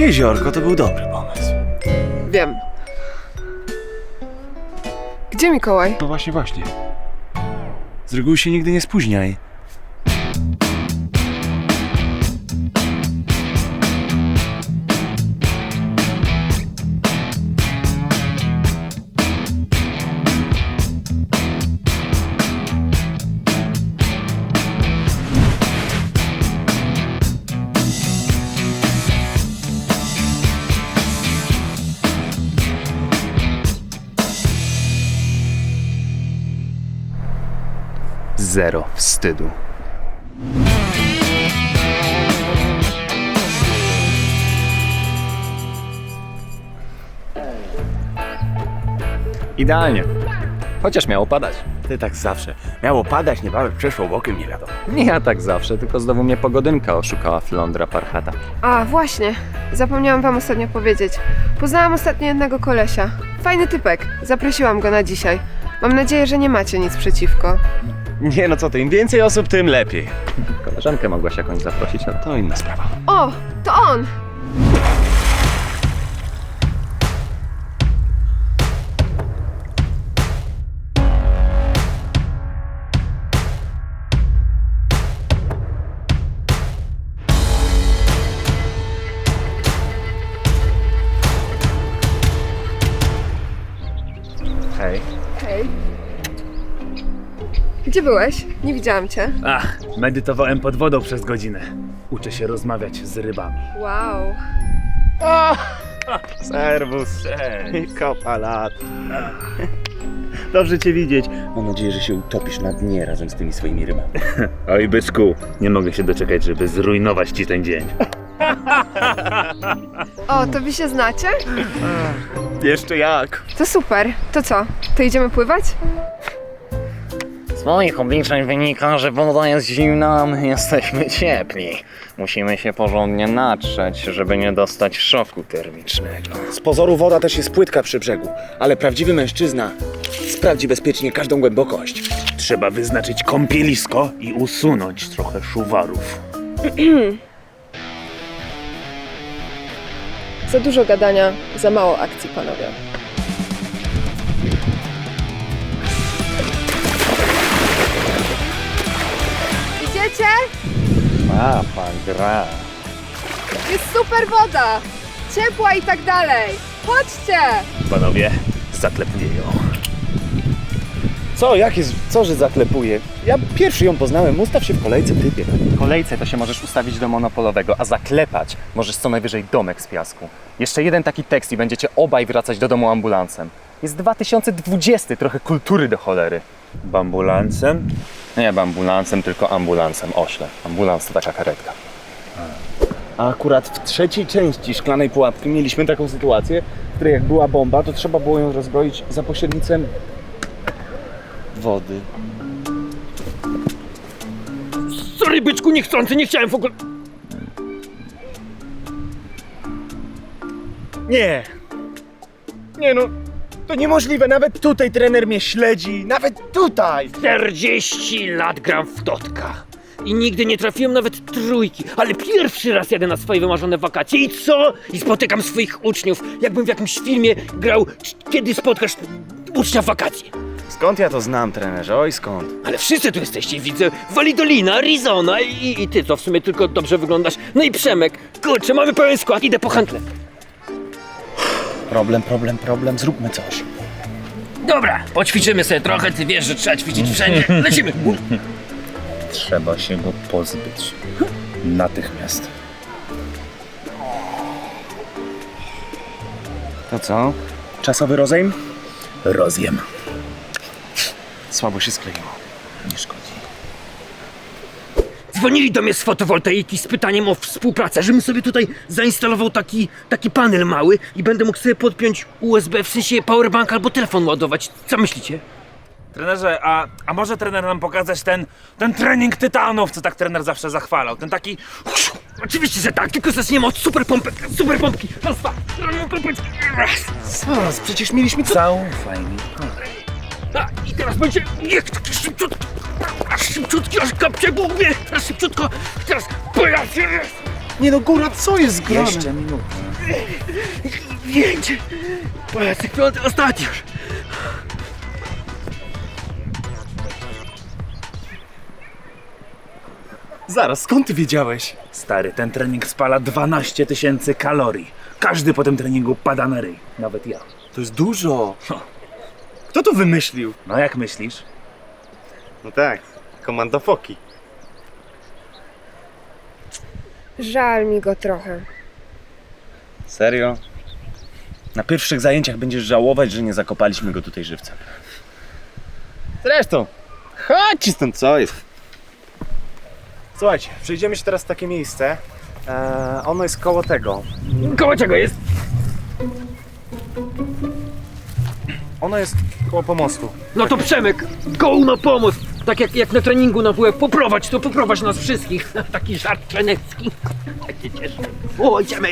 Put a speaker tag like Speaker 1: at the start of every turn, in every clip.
Speaker 1: jeziorko to był dobry pomysł.
Speaker 2: Wiem. Gdzie Mikołaj?
Speaker 1: No właśnie. Z reguły się nigdy nie spóźniaj.
Speaker 3: Zero wstydu. Idealnie. Chociaż miało padać.
Speaker 1: Ty tak zawsze. Miało padać, niebawem przeszło bokiem, nie wiadomo.
Speaker 3: Nie ja tak zawsze, tylko znowu mnie pogodynka oszukała Flądra Parchata.
Speaker 2: A, właśnie. Zapomniałam wam ostatnio powiedzieć. Poznałam ostatnio jednego kolesia. Fajny typek. Zaprosiłam go na dzisiaj. Mam nadzieję, że nie macie nic przeciwko.
Speaker 1: Nie no co ty, im więcej osób, tym lepiej.
Speaker 3: Koleżankę mogłaś jakąś zaprosić, no to
Speaker 1: To inna sprawa.
Speaker 2: O, to on!
Speaker 3: hej.
Speaker 2: Hej. Gdzie byłeś? Nie widziałam cię.
Speaker 4: Ach, medytowałem pod wodą przez godzinę. Uczę się rozmawiać z rybami.
Speaker 2: Wow.
Speaker 1: Serwus.
Speaker 4: Cześć.
Speaker 1: Kopa lat.
Speaker 4: Dobrze cię widzieć.
Speaker 1: Mam nadzieję, że się utopisz na dnie razem z tymi swoimi rybami.
Speaker 4: Oj, byczku, nie mogę się doczekać, żeby zrujnować ci ten dzień.
Speaker 2: O, to wy się znacie?
Speaker 1: Jeszcze jak?
Speaker 2: To super. To co? To idziemy pływać?
Speaker 5: Z moich obliczeń wynika, że woda jest zimna, a my jesteśmy ciepli. Musimy się porządnie natrzeć, żeby nie dostać szoku termicznego.
Speaker 6: Z pozoru woda też jest płytka przy brzegu, ale prawdziwy mężczyzna sprawdzi bezpiecznie każdą głębokość.
Speaker 4: Trzeba wyznaczyć kąpielisko i usunąć trochę szuwarów.
Speaker 2: Za dużo gadania, za mało akcji, panowie. Idziecie?
Speaker 3: A, pan gra.
Speaker 2: Jest super woda! Ciepła i tak dalej! Chodźcie!
Speaker 4: Panowie, zaklepuję ją.
Speaker 6: Co? Jak jest? Co, że zaklepuje? Ja pierwszy ją poznałem, ustaw się w kolejce, typie.
Speaker 3: W kolejce to się możesz ustawić do monopolowego, a zaklepać możesz co najwyżej domek z piasku. Jeszcze jeden taki tekst i będziecie obaj wracać do domu ambulansem. Jest 2020, trochę kultury do cholery.
Speaker 4: Bambulancem?
Speaker 3: Nie ambulansem, tylko ambulansem, ośle. Ambulans to taka karetka.
Speaker 6: A akurat w trzeciej części Szklanej Pułapki mieliśmy taką sytuację, w której jak była bomba, to trzeba było ją rozbroić za pośrednictwem wody.
Speaker 7: Sorry, byczku, niechcący, nie chciałem w ogóle...
Speaker 6: Nie! Nie no, to niemożliwe, nawet tutaj trener mnie śledzi, nawet tutaj!
Speaker 7: 40 lat gram w Totka. I nigdy nie trafiłem nawet trójki, ale pierwszy raz jadę na swoje wymarzone wakacje i co? I spotykam swoich uczniów, jakbym w jakimś filmie grał Kiedy spotkasz ucznia w wakacje.
Speaker 1: Skąd ja to znam, trenerze? Oj, skąd?
Speaker 7: Ale wszyscy tu jesteście, widzę, Validolina, Arizona i ty, co w sumie tylko dobrze wyglądasz. No i Przemek, kurczę, mamy pełen skład, idę po handle.
Speaker 6: Problem, zróbmy coś.
Speaker 7: Dobra, poćwiczymy sobie trochę, ty wiesz, że trzeba ćwiczyć wszędzie, lecimy.
Speaker 4: Trzeba się go pozbyć. Natychmiast.
Speaker 6: To co? Czasowy rozejm?
Speaker 4: Rozjem.
Speaker 6: Słabo się skleiło.
Speaker 4: Nie szkodzi.
Speaker 7: Dzwonili do mnie z fotowoltaiki z pytaniem o współpracę, żebym sobie tutaj zainstalował taki panel mały i będę mógł sobie podpiąć USB, w sensie powerbank albo telefon ładować. Co myślicie?
Speaker 4: Trenerze, a może trener nam pokazać ten trening tytanów, co tak trener zawsze zachwalał? Ten taki...
Speaker 7: Oczywiście, że tak, tylko zaczniemy od super pompki. Raz, dwa, raz.
Speaker 6: Zaraz, przecież mieliśmy co?
Speaker 4: Zaufaj mi.
Speaker 7: A, i teraz będzie, niech taki szybciutki, aż kapcie głównie, teraz szybciutko, teraz pojadę.
Speaker 6: Nie no, góra, co jest grane?
Speaker 4: Jeszcze minutę.
Speaker 7: Pięć! Pojazd piąty, ostatni już!
Speaker 6: Zaraz, skąd ty wiedziałeś?
Speaker 4: Stary, ten trening spala 12 000 kalorii. Każdy po tym treningu pada na ryj. Nawet ja.
Speaker 6: To jest dużo. Kto to wymyślił?
Speaker 4: No jak myślisz?
Speaker 6: No tak, komando Foki.
Speaker 2: Żal mi go trochę.
Speaker 6: Serio? Na pierwszych zajęciach będziesz żałować, że nie zakopaliśmy go tutaj żywcem. Zresztą, chodź stąd, co jest? Słuchajcie, przejdziemy się teraz w takie miejsce. Ono jest koło tego.
Speaker 7: Koło czego jest?
Speaker 6: Ono jest koło pomostu.
Speaker 7: No to Przemek, go na pomoc! Tak jak na treningu na WF, poprowadź nas wszystkich. Taki żart trenecki. Tak się cieszę. O, idziemy!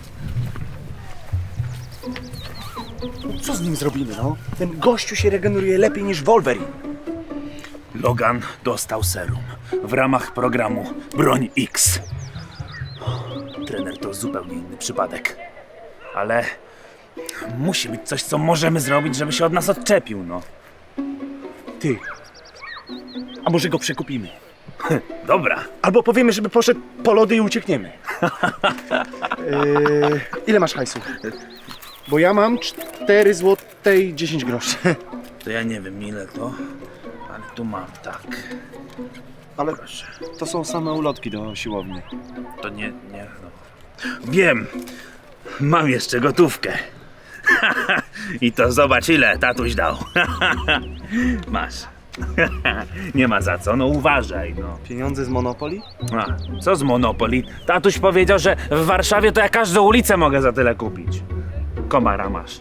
Speaker 6: Co z nim zrobimy, no? Ten gościu się regeneruje lepiej niż Wolverine.
Speaker 4: Logan dostał serum w ramach programu Broń X. Trener to zupełnie inny przypadek. Ale musi być coś, co możemy zrobić, żeby się od nas odczepił, no.
Speaker 6: Ty. A może go przekupimy?
Speaker 4: Dobra.
Speaker 6: Albo powiemy, żeby poszedł po lody i uciekniemy. Ile masz hajsu? Bo ja mam 4 złote i 10 groszy.
Speaker 4: To ja nie wiem ile to, ale tu mam, tak.
Speaker 6: Ale to są same ulotki do siłowni.
Speaker 4: To nie, no. Wiem, mam jeszcze gotówkę. I to zobacz ile tatuś dał. Masz. Nie ma za co, no uważaj, no.
Speaker 6: Pieniądze z Monopoly?
Speaker 4: A, co z Monopoly? Tatuś powiedział, że w Warszawie to ja każdą ulicę mogę za tyle kupić. Komara masz.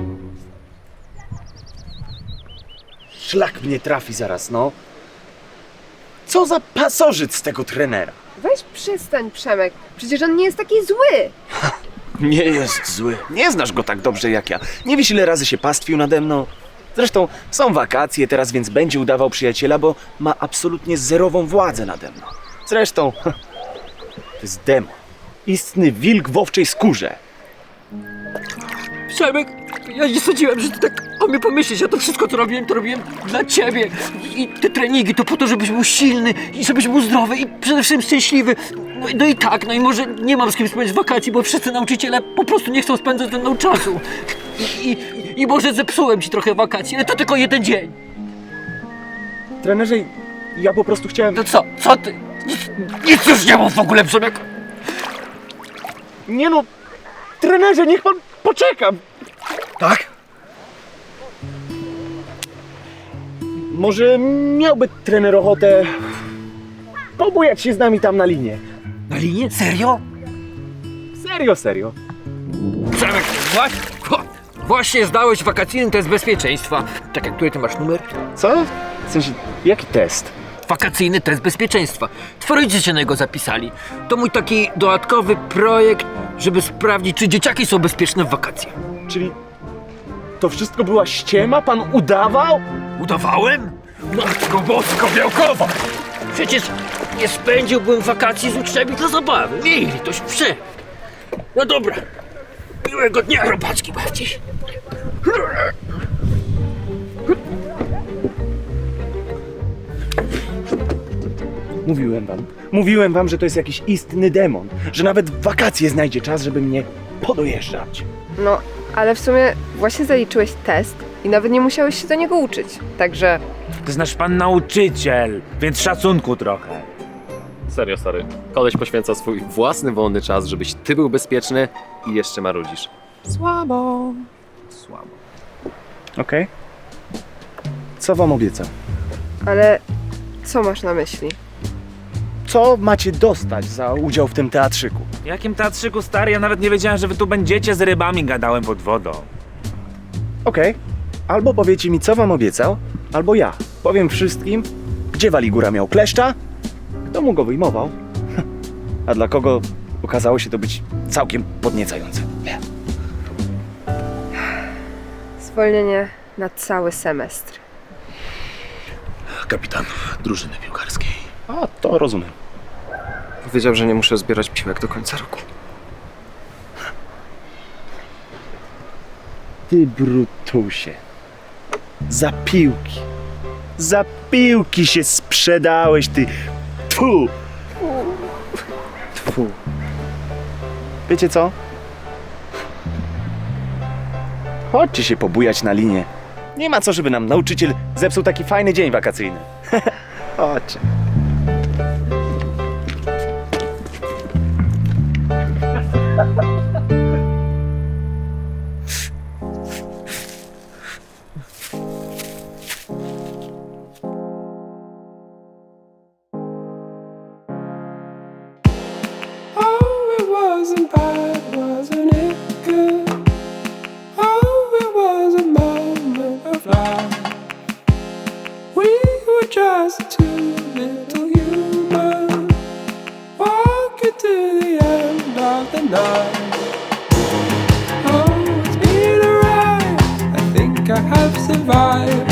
Speaker 6: Szlak mnie trafi zaraz, no. Co za pasożyt z tego trenera?
Speaker 2: Weź przestań, Przemek. Przecież on nie jest taki zły.
Speaker 6: Nie jest zły. Nie znasz go tak dobrze jak ja. Nie wiesz, ile razy się pastwił nade mną. Zresztą są wakacje teraz, więc będzie udawał przyjaciela, bo ma absolutnie zerową władzę nade mną. Zresztą, to jest demon. Istny wilk w owczej skórze.
Speaker 7: Przemek, ja nie sądziłem, że ty tak o mnie pomyślisz. Ja to wszystko, co robiłem, to robiłem dla ciebie. I te treningi to po to, żebyś był silny i żebyś był zdrowy i przede wszystkim szczęśliwy. No i tak, no i może nie mam z kim spędzić wakacji, bo wszyscy nauczyciele po prostu nie chcą spędzać ze mną czasu. I może zepsułem ci trochę wakacji, ale to tylko jeden dzień.
Speaker 6: Trenerze, ja po prostu chciałem...
Speaker 7: To co? Co ty? Nic już nie mów w ogóle, Przemek.
Speaker 6: Nie no, trenerze, niech pan poczeka. Tak? Może miałby trener ochotę pobujać się z nami tam na linię.
Speaker 7: Na linię? Serio?
Speaker 6: Serio.
Speaker 7: Przemek, właśnie zdałeś wakacyjny test bezpieczeństwa. Tak jak który ty masz numer?
Speaker 6: Co? W sensie, jaki test?
Speaker 7: Wakacyjny test bezpieczeństwa. Twoi rodzice na niego zapisali. To mój taki dodatkowy projekt, żeby sprawdzić, czy dzieciaki są bezpieczne w wakacje.
Speaker 6: Czyli to wszystko była ściema? Pan udawał?
Speaker 7: Udawałem? Matko bosko białkowa! Przecież nie spędziłbym wakacji z uczniami dla zabawy. Mieli litość, Przemek. No dobra. Miłego dnia, robaczki bardziej.
Speaker 6: Mówiłem wam, że to jest jakiś istny demon, że nawet w wakacje znajdzie czas, żeby mnie podojeżdżać.
Speaker 2: No, ale w sumie właśnie zaliczyłeś test i nawet nie musiałeś się do niego uczyć. Także
Speaker 4: To jest nasz pan nauczyciel, więc szacunku trochę.
Speaker 8: Serio, stary. Koleś poświęca swój własny wolny czas, żebyś ty był bezpieczny i jeszcze marudzisz.
Speaker 4: Słabo.
Speaker 6: Okej. Co wam obiecał?
Speaker 2: ale co masz na myśli?
Speaker 6: Co macie dostać za udział w tym teatrzyku?
Speaker 4: Jakim teatrzyku, stary? Ja nawet nie wiedziałem, że wy tu będziecie z rybami, gadałem pod wodą.
Speaker 6: Okej. Albo powiecie mi, co wam obiecał, albo ja powiem wszystkim, gdzie Waligura miał kleszcza, kto mu go wyjmował, a dla kogo okazało się to być całkiem podniecające.
Speaker 2: Zwolnienie na cały semestr.
Speaker 4: Kapitan drużyny piłkarskiej.
Speaker 6: A, to rozumiem.
Speaker 8: Powiedział, że nie muszę zbierać piłek do końca roku.
Speaker 6: Ty brutusie. Za piłki się sprzedałeś, ty. Tfu. Tfu. Wiecie co? Chodźcie się pobujać na linię. Nie ma co, żeby nam nauczyciel zepsuł taki fajny dzień wakacyjny. Chodźcie.
Speaker 9: Oh, it wasn't bad, wasn't it good? Oh, it was a moment of life. We were just two little humans walking to the end of the night. Oh, it's been a ride. I think I have survived.